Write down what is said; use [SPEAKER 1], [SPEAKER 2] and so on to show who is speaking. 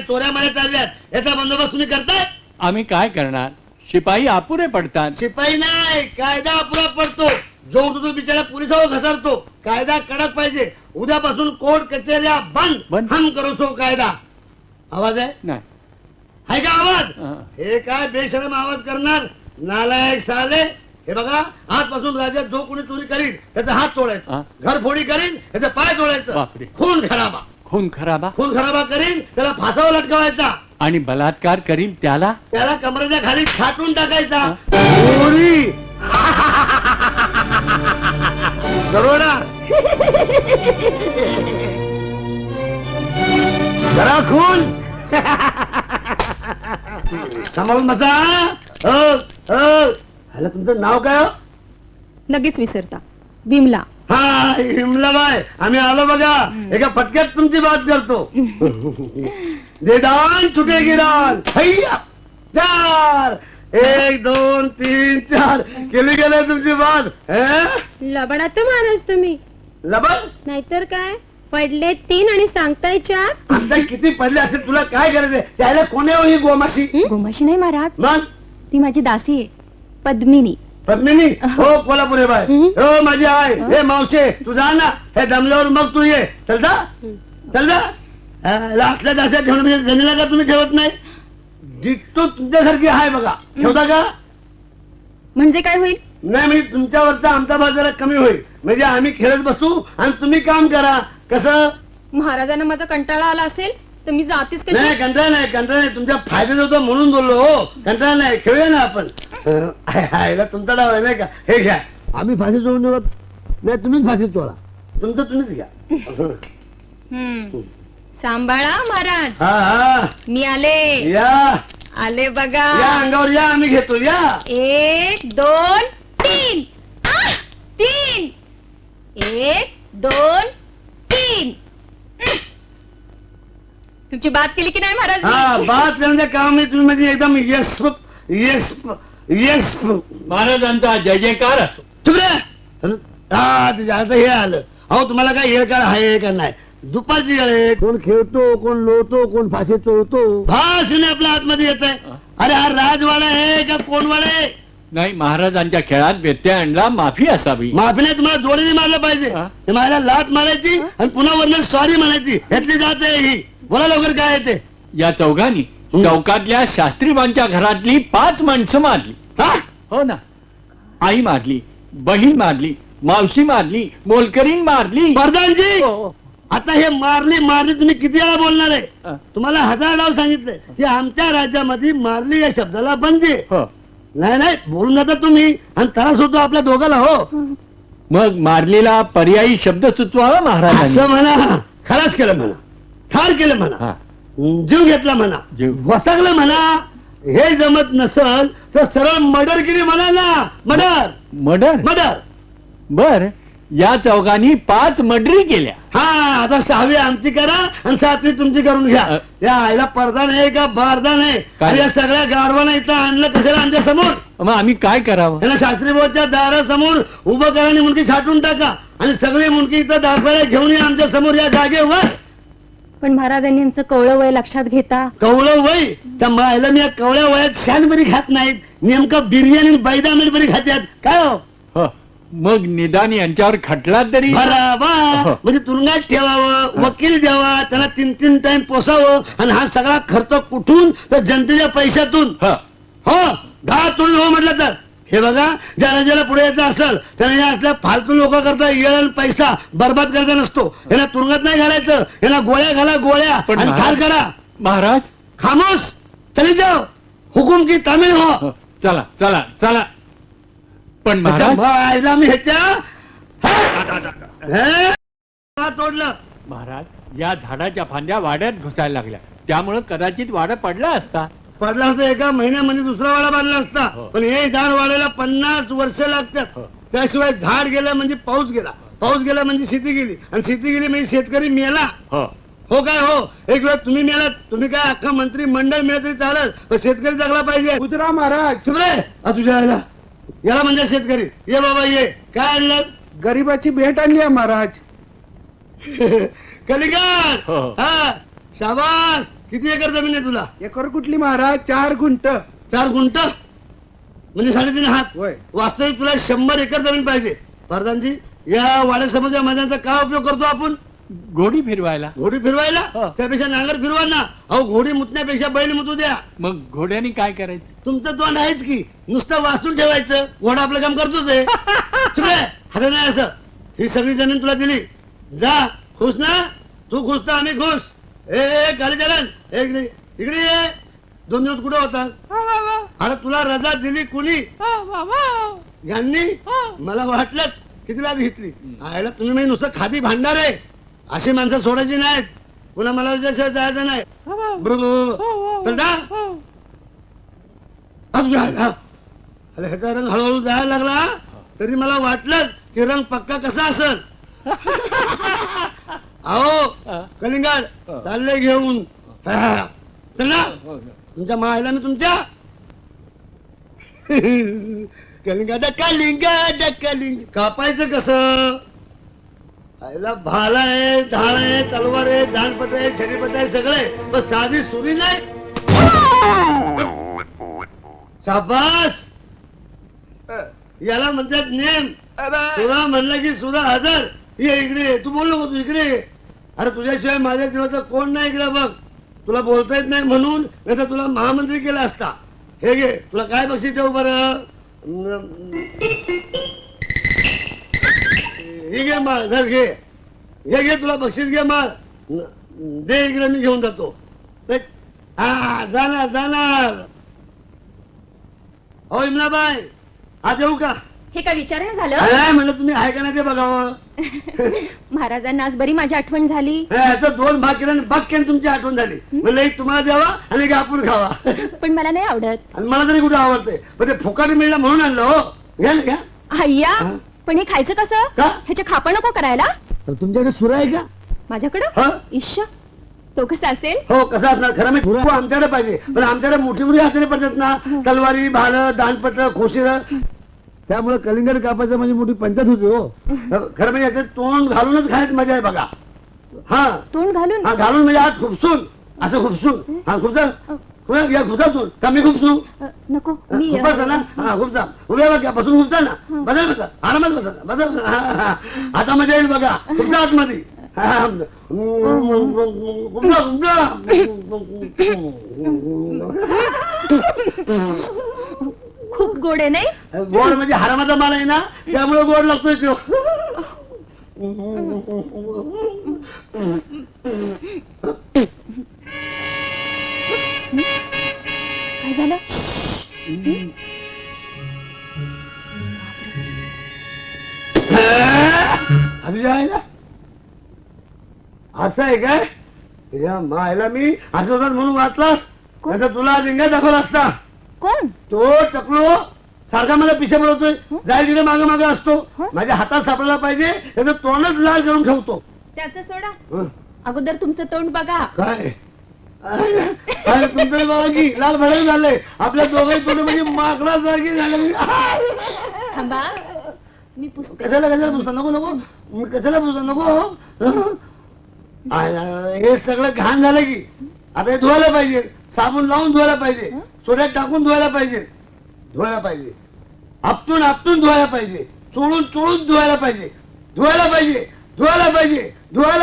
[SPEAKER 1] चोऱ्या माऱ्या चालल्यात, याचा बंदोबस्त तुम्ही करताय?
[SPEAKER 2] आम्ही काय करणार, शिपाई अपुरे पडतात.
[SPEAKER 1] शिपाई नाही, कायदा अपुरा पडतो. जो तो बिचारा पोलिसावर घसरतो. कायदा कडक पाहिजे. उद्यापासून कोर्ट कचेऱ्या बंद. हम करो सो कायदा. आवाज आहे
[SPEAKER 2] नाही
[SPEAKER 1] आहे का आवाज?
[SPEAKER 2] हा.
[SPEAKER 1] हे काय बेशरम आवाज करणार नालायक साले. हे बघा, आजपासून राज्यात जो कोणी चोरी करील त्याचा हात तोडायचा,
[SPEAKER 2] हा.
[SPEAKER 1] घरफोडी करील त्याचा पाय तोडायचं,
[SPEAKER 2] बापरे.
[SPEAKER 1] खून खराबा
[SPEAKER 2] खून खराबा
[SPEAKER 1] खून खराबा करील त्याला फासावर लटकवायचा,
[SPEAKER 2] आणि बलात्कार करील त्याला
[SPEAKER 1] त्याला कमरेच्या खाली छाटून टाकायचा. चोरी दरोडा जरा खून सांभाळून बसा. ह्याला तुमचं नाव काय हो?
[SPEAKER 3] लगेच विसरता. विमला.
[SPEAKER 1] हा हिमलाबाई, आम्ही आलो बघा. एका फटक्यात तुमची बात करतो. देदान छुटे गिरान हैया चार 1 2 3 4 केली गेले तुमची बात.
[SPEAKER 3] लबडा तर महाराज तुम्ही.
[SPEAKER 1] लबन
[SPEAKER 3] नाहीतर काय, पडले 3 आणि सांगताय 4.
[SPEAKER 1] आमच्या किती पडले असेल तुला काय करायचंय? त्याला कोणी हो ही गोमाशी?
[SPEAKER 3] गोमाशी नाही महाराज,
[SPEAKER 1] मग
[SPEAKER 3] ती माझी दासी आहे, पद्मिनी.
[SPEAKER 1] पद्मिनी हो कोल्हापुरे बाय हो माझी आहे. हे मावशे तू जा ना, हे दमल्यावर मग तू ये. चल जा चल जा. असल्या दास्या ठेवणं म्हणजे जणीला का तुम्ही ठेवत नाही? डिट्टो तुमच्यासारखी आहे बघा. ठेवता का?
[SPEAKER 3] म्हणजे काय होईल?
[SPEAKER 1] नाही म्हणजे तुमच्यावरचा आमचा भाग जरा कमी होईल. म्हणजे आम्ही खेळत बसू आणि तुम्ही काम करा. कसं?
[SPEAKER 3] महाराजांना माझा कंटाळा आला असेल तर मी जातीच कशी.
[SPEAKER 1] नाही कंटाळा नाही, कंटाळा नाही. तुमच्या फायद्यात होतं म्हणून बोललो. हो कंटाळा नाही, खेळूया ना आपण. तुमचा डाव आहे नाही का? हे घ्या. आम्ही फाशी चोळून देऊ नाही, तुम्हीच फाशी चोळा. तुमचं तुम्हीच घ्या.
[SPEAKER 3] सांभाळा महाराज.
[SPEAKER 1] हा हा
[SPEAKER 3] मी आले.
[SPEAKER 1] या
[SPEAKER 3] आले बघा.
[SPEAKER 1] या अंगावर या, आम्ही घेतो. या
[SPEAKER 3] 1 2 3. 3 1 2 3. तुमची बात केली की नाही महाराज?
[SPEAKER 1] हा बात करण्याच्या कामामध्ये तुम्ही म्हणजे एकदम यस यस यस.
[SPEAKER 2] महाराजांचा जय जयकार असो.
[SPEAKER 1] चुप रे. हा ते आता हे आलं. अहो तुम्हाला काय येळ काळ आहे का नाही? दुपारची वेळ आहे. कोण खेळतो, कोण लोळतो, कोण फाशी चोळतो. भाषणे आपल्या आतमध्ये येत आहे. अरे हा राजवाडा आहे का कोणवाडा आहे?
[SPEAKER 2] नाही, महाराजांच्या खेळात व्यत्यय आणला, माफी असावी.
[SPEAKER 1] माफी नाही, तुम्हाला जोडीने मारलं पाहिजे.
[SPEAKER 2] हा?
[SPEAKER 1] ते मला लात मारायची आणि पुन्हा वरनं सॉरी म्हणायची. ह्यातली जात आहे ही. बोला लवकर काय आहे ते.
[SPEAKER 2] या चौघांनी चौकातल्या शास्त्रीबांच्या घरातली 5 माणसं मारली.
[SPEAKER 1] हा
[SPEAKER 2] हो ना, आई मारली, बहीण मारली, मावशी मारली, मोलकरीण मारली.
[SPEAKER 1] प्रधानजी
[SPEAKER 2] हो.
[SPEAKER 1] आता हे मारली मारली तुम्ही किती वेळा बोलणार
[SPEAKER 2] हा.
[SPEAKER 1] आहे? तुम्हाला 1000 डाव सांगितलंय की आमच्या राज्यामध्ये मारली या शब्दाला बंदी आहे.
[SPEAKER 2] हो.
[SPEAKER 1] नाही नाही बोलून जाता तुम्ही आणि त्रास होतो आपल्या दोघाला. हो
[SPEAKER 2] मग मारलेला पर्यायी शब्द सुचवावा महाराजांनी.
[SPEAKER 1] असं म्हणा. खलास केलं म्हणा, ठार केलं म्हणा,
[SPEAKER 2] हा.
[SPEAKER 1] जीव घेतला म्हणा,
[SPEAKER 2] जीव.
[SPEAKER 1] वसगलं म्हणा. हे जमत नसल तर सरळ मर्डर केली म्हणा ना. Murder
[SPEAKER 2] murder.
[SPEAKER 1] मर्डर.
[SPEAKER 2] बर, या चौघांनी 5 मर्डरी केल्या.
[SPEAKER 1] हा आता 6वी आमची करा आणि 7वी तुमची करून घ्या. या आईला पडदा नाही का बारदा नाही?
[SPEAKER 2] काय?
[SPEAKER 1] आणि या सगळ्या गाढवांना इथं आणलं कशाला आमच्या समोर?
[SPEAKER 2] मग आम्ही काय करावं?
[SPEAKER 1] त्याला शास्त्री बोर्डच्या दारासमोर उभं करा आणि मुंडकी छाटून टाका आणि सगळी मुंडकी इथं दाखवायला घेऊन या आमच्या समोर या जागेवर.
[SPEAKER 3] पण महाराजांनी यांचं कवळं वय लक्षात घेता.
[SPEAKER 1] कवळं वय त्या मायला मी या कवळ्या वयात शान बरी खात नाहीत. नेमकं बिर्याणी बैदामेल बरी खात्यात काय हो?
[SPEAKER 2] हो. मग निदान यांच्यावर खटला तरी.
[SPEAKER 1] बराबर. म्हणजे तुरुंगात ठेवावं, वकील द्यावा, त्याला 3 टाइम पोसावं आणि हा सगळा खर्च कुठून? तर जनतेच्या पैशातून.
[SPEAKER 2] हा.
[SPEAKER 1] हो घात तोडून हो म्हटलं तर. हे बघा, ज्याला ज्याला पुढे यायचं असेल त्याने या असल्या फालतू लोक करता येळ आणि पैसा बर्बाद करायचा नसतो. यांना तुरुंगात नाही घालायचं. यांना गोळ्या घाला, गोळ्या
[SPEAKER 2] पण
[SPEAKER 1] आणि ठार करा.
[SPEAKER 2] महाराज
[SPEAKER 1] खामोश चली जाओ. हुकुम की तामिळ हो.
[SPEAKER 2] हो, चला चला चला. पण महाराज
[SPEAKER 1] आईला मी ह्याच्या तोडलं.
[SPEAKER 2] महाराज या झाडाच्या फांद्या वाड्यात घुसायला लागल्या, त्यामुळे कदाचित वाडा पडला असता.
[SPEAKER 1] पडला असता एका महिन्यामध्ये दुसरा वाडा बांधला असता.
[SPEAKER 2] हो.
[SPEAKER 1] पण हे झाड वाढायला 50 वर्ष लागतात.
[SPEAKER 2] हो.
[SPEAKER 1] त्याशिवाय झाड गेलं म्हणजे पाऊस गेला, पाऊस गेला म्हणजे शेती गेली आणि शेती गेली म्हणजे शेतकरी मेला.
[SPEAKER 2] हो.
[SPEAKER 1] हो काय हो? एक वेळ तुम्ही मेलात. तुम्ही काय अख्खा मंत्री मंडळ मिळत तरी चालत, पण शेतकरी जगला पाहिजे.
[SPEAKER 4] गुजरा महाराज,
[SPEAKER 1] चुप रे. तुझ्या याला म्हणजे शेतकरी. ये बाबा ये. काय आणलं?
[SPEAKER 4] गरीबाची भेट आणली आहे महाराज.
[SPEAKER 1] कलिंगड.
[SPEAKER 2] हो.
[SPEAKER 1] हा शाबास. किती एकर जमीन आहे तुला?
[SPEAKER 4] एकर कुठली महाराज? 4 गुंठ.
[SPEAKER 1] 4 गुंठ म्हणजे 3.5 हात.
[SPEAKER 4] होय.
[SPEAKER 1] वास्तविक तुला 100 एकर जमीन पाहिजे. प्रधानजी, या वाड्यासमोरच्या मैदानाचा काय उपयोग करतो आपण?
[SPEAKER 2] घोडी फिरवायला.
[SPEAKER 1] घोडी फिरवायला?
[SPEAKER 2] हो.
[SPEAKER 1] त्यापेक्षा नांगर फिरवा ना. अहो, घोडी मुतण्यापेक्षा बैल मुतू द्या.
[SPEAKER 2] मग घोड्याने काय करायचं?
[SPEAKER 1] तुमचं तोंड आहेच की, नुसतं वाचून ठेवायचं. घोडा आपलं काम करतोच आहे. चुकले हात नाही असं. ही सगळी जमीन तुला दिली, जा. खुश ना? तू खुश ना, आम्ही खुश. ए कालीचरण, इकडे ये. 2 दिवस कुठे होता? अरे तुला रजा दिली कुणी? यांनी. मला वाटलंच किती वेळा घेतली. आयला तुम्ही म्हणजे नुसतं खादी भांडार आहे. अशी माणसं सोडायची नाहीत. पुन्हा मला विचार जायचं नाही. चल जा. अरे ह्याचा रंग हळूहळू जायला लागला तरी मला वाटलं की रंग पक्का कसा असेल. अहो कलिंगड चालले घेऊन. चल ना. तुमच्या मायला मी तुमच्या कलिंगड कलिंगड कलिंग कापायचं कसं? आईला भाला आहे, ढाळ आहे, तलवार आहे, दानपट आहे, छडीपट आहे, सगळे. पण साधी सुरी नाही. शाबास. याला म्हणतात नेम. सुरा म्हणलं की सुरा हजर. ये इकडे. तू बोल नको, तू इकडे. अरे तुझ्याशिवाय माझ्या जीवाचा कोण नाही इकडे बघ. तुला बोलता येत नाही म्हणून, नाही तर तुला महामंत्री केला असता. हे घे, तुला काय बक्षीस देऊ बरं? हे घे माळ, धर घे. हे घे, तुला बक्षीस घे माळ. दे इकडे, मी घेऊन जातो. हा जाणार जाणार. हो इमलाबाई, आज येऊ का?
[SPEAKER 3] हे काय विचारणं झालं?
[SPEAKER 1] काय म्हणलं तुम्ही आहे का नाही ते बघावं.
[SPEAKER 3] महाराजांना आज बरी माझी आठवण झाली.
[SPEAKER 1] याचं 2 भाग केलं आणि भाग केलं तुमची आठवण झाली. म्हणलं एक तुम्हाला द्यावा आणि एक आपण खावा.
[SPEAKER 3] पण मला नाही आवडत.
[SPEAKER 1] आणि मला तरी कुठे आवडते. पण ते फुकाट मिळलं म्हणून आणलं. हो घ्या ना, घ्या.
[SPEAKER 3] अय्या, पण हे खायचं कसं?
[SPEAKER 1] का?
[SPEAKER 3] ह्याच्या खापा नको करायला.
[SPEAKER 1] तुमच्याकडे सुरा आहे का?
[SPEAKER 3] माझ्याकडं?
[SPEAKER 1] हा?
[SPEAKER 3] इश्श, तो कसा असेल?
[SPEAKER 1] हो कसा असणार खरं मी आमच्याकडे पाहिजे. पण आमच्याकडे मोठी मोठी हाताने पडतात ना, तलवारी, भाल, दानपट, खोशीर. त्यामुळे कलिंगड कापायचं म्हणजे मोठी पंचायत होती. हो खरं म्हणजे याचं तोंड घालूनच खाण्यात मजा आहे बघा. हा
[SPEAKER 3] तोंड घालून?
[SPEAKER 1] हा घालून म्हणजे आज खुपसून, असं खुपसून. हा खुपसा या खुपसातून का मी खुपसू?
[SPEAKER 3] नको मी
[SPEAKER 1] खुपसा ना. हा खुपसा. उभ्या बघा, बसून खुपसा ना. बदल बसा, आरामात बसा, बदल. आता मजा येईल बघा. खुपसा आतमध्ये.
[SPEAKER 3] खूप गोड आहे नाही?
[SPEAKER 1] गोड म्हणजे हरामाचा माल आहे ना, त्यामुळे गोड लागतोय तो.
[SPEAKER 3] काय झालं?
[SPEAKER 1] असं आहे काय? या मायला मी आठवतात म्हणून वाचलास, नाही तर तुला रिंगा दाखवला असता.
[SPEAKER 3] कोण?
[SPEAKER 1] तो टकलो सारखा मला पिछा बोलवतोय. जाय तिकडे मागे मागे असतो. माझ्या हातात सापडायला पाहिजे, त्याचं तोंडच लाल करून ठेवतो.
[SPEAKER 3] त्याचं सोडा, अगोदर तुमचं तोंड बघा.
[SPEAKER 1] काय तुमचं बघा की लाल भडक झालंय. आपल्या दोघंही तोंड म्हणजे माकडासारखी झालं.
[SPEAKER 3] थांबा, मी पुसते.
[SPEAKER 1] कशाला कशाला पुसता? नको नको, कशाला पुसता? नको. हे सगळं घाण झालं की आता हे धुवायला पाहिजे. साबण लावून धुवायला पाहिजे, सोड्यात टाकून धुवायला पाहिजे. धुवायला पाहिजे, आपटून आपटून धुवायला पाहिजे, चोळून चोळून धुवायला पाहिजे. धुवायला पाहिजे, धुवायला पाहिजे, धुवायला